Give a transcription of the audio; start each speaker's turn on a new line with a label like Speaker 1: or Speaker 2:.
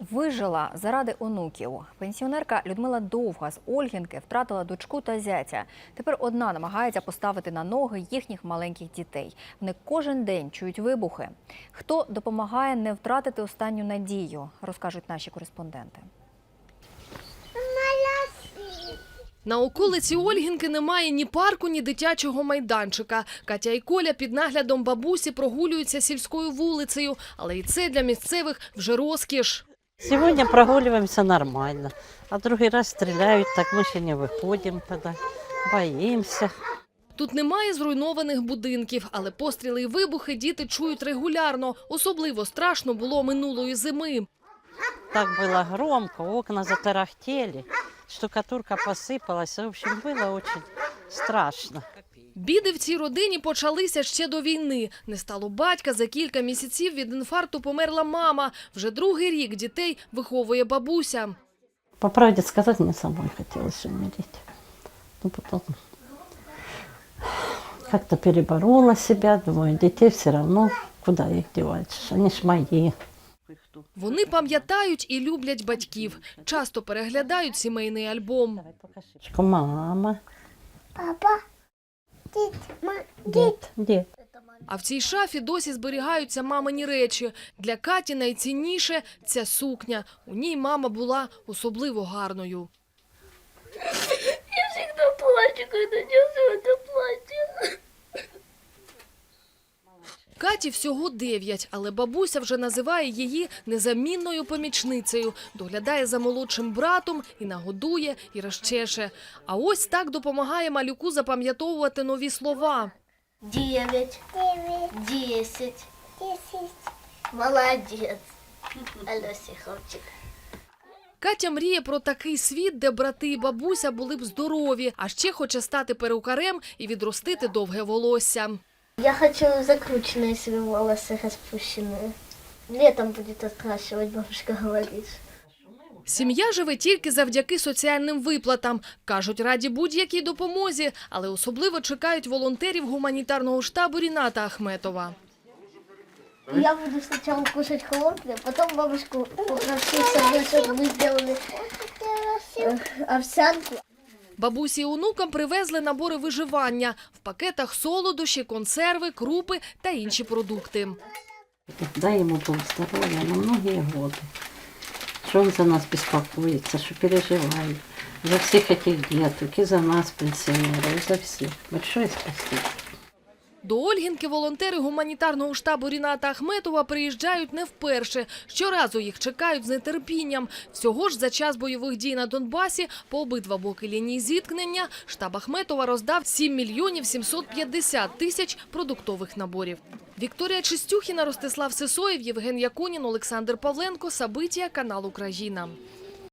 Speaker 1: Вижила заради онуків. Пенсіонерка Людмила Довга з Ольгінки втратила дочку та зятя. Тепер одна намагається поставити на ноги їхніх маленьких дітей. Вони кожен день чують вибухи. Хто допомагає не втратити останню надію, розкажуть наші кореспонденти.
Speaker 2: На околиці Ольгінки немає ні парку, ні дитячого майданчика. Катя і Коля під наглядом бабусі прогулюються сільською вулицею. Але і це для місцевих вже розкіш.
Speaker 3: Сьогодні прогулюємося нормально, а другий раз стріляють, так ми ще не виходимо тоді, боїмося.
Speaker 2: Тут немає зруйнованих будинків, але постріли і вибухи діти чують регулярно. Особливо страшно було минулої зими.
Speaker 3: Так було громко, окна затарахтели, штукатурка посипалась. В общем, було дуже страшно.
Speaker 2: Біди в цій родині почалися ще до війни. Не стало батька, за кілька місяців від інфаркту померла мама. Вже другий рік дітей виховує бабуся.
Speaker 3: По правді сказати, мені самой хотілося умереть. Но потом как-то переборола себя, думаю, детей все равно, куда их девать, они ж мои.
Speaker 2: Вони пам'ятають і люблять батьків. Часто переглядають сімейний альбом.
Speaker 3: Мама.
Speaker 4: Папа,
Speaker 3: Дед.
Speaker 2: А в цій шафі досі зберігаються мамині речі. Для Каті найцінніше – ця сукня. У ній мама була особливо гарною.
Speaker 4: я всегда плачу, когда несу это платье.
Speaker 2: Каті всього 9, але бабуся вже називає її незамінною помічницею. Доглядає за молодшим братом і нагодує, і розчеше. А ось так допомагає малюку запам'ятовувати нові слова.
Speaker 4: 9, 10. Молодец. Алёся, хлопчик.
Speaker 2: Катя мріє про такий світ, де брати і бабуся були б здорові, а ще хоче стати перукарем і відростити довге волосся.
Speaker 4: Я хочу закрученные себе волосы распущенные. Летом будет открашивать, бабушка говорит.
Speaker 2: Сім'я живе тільки завдяки соціальним виплатам. Кажуть, раді будь-якій допомозі, але особливо чекають волонтерів гуманітарного штабу Ріната Ахметова.
Speaker 4: Я буду сначала кушать хлопья, потом бабушку попрошу, чтобы мы сделали овсянку.
Speaker 2: Бабусі і онукам привезли набори виживання. В пакетах солодощі, консерви, крупи та інші продукти.
Speaker 3: Дай ему Бог здоровья на многие годы. Что он за нас беспокоится, что переживает. За всех этих деток, и за нас, пенсионеров, и за всех. Большое спасибо.
Speaker 2: До Ольгінки волонтери гуманітарного штабу Ріната Ахметова приїжджають не вперше. Щоразу їх чекають з нетерпінням. Всього ж за час бойових дій на Донбасі по обидва боки лінії зіткнення штаб Ахметова роздав 7 мільйонів 750 тисяч продуктових наборів. Вікторія Чистюхіна, Ростислав Сисоєв, Євген Якунін, Олександр Павленко, Сабитія, канал Україна.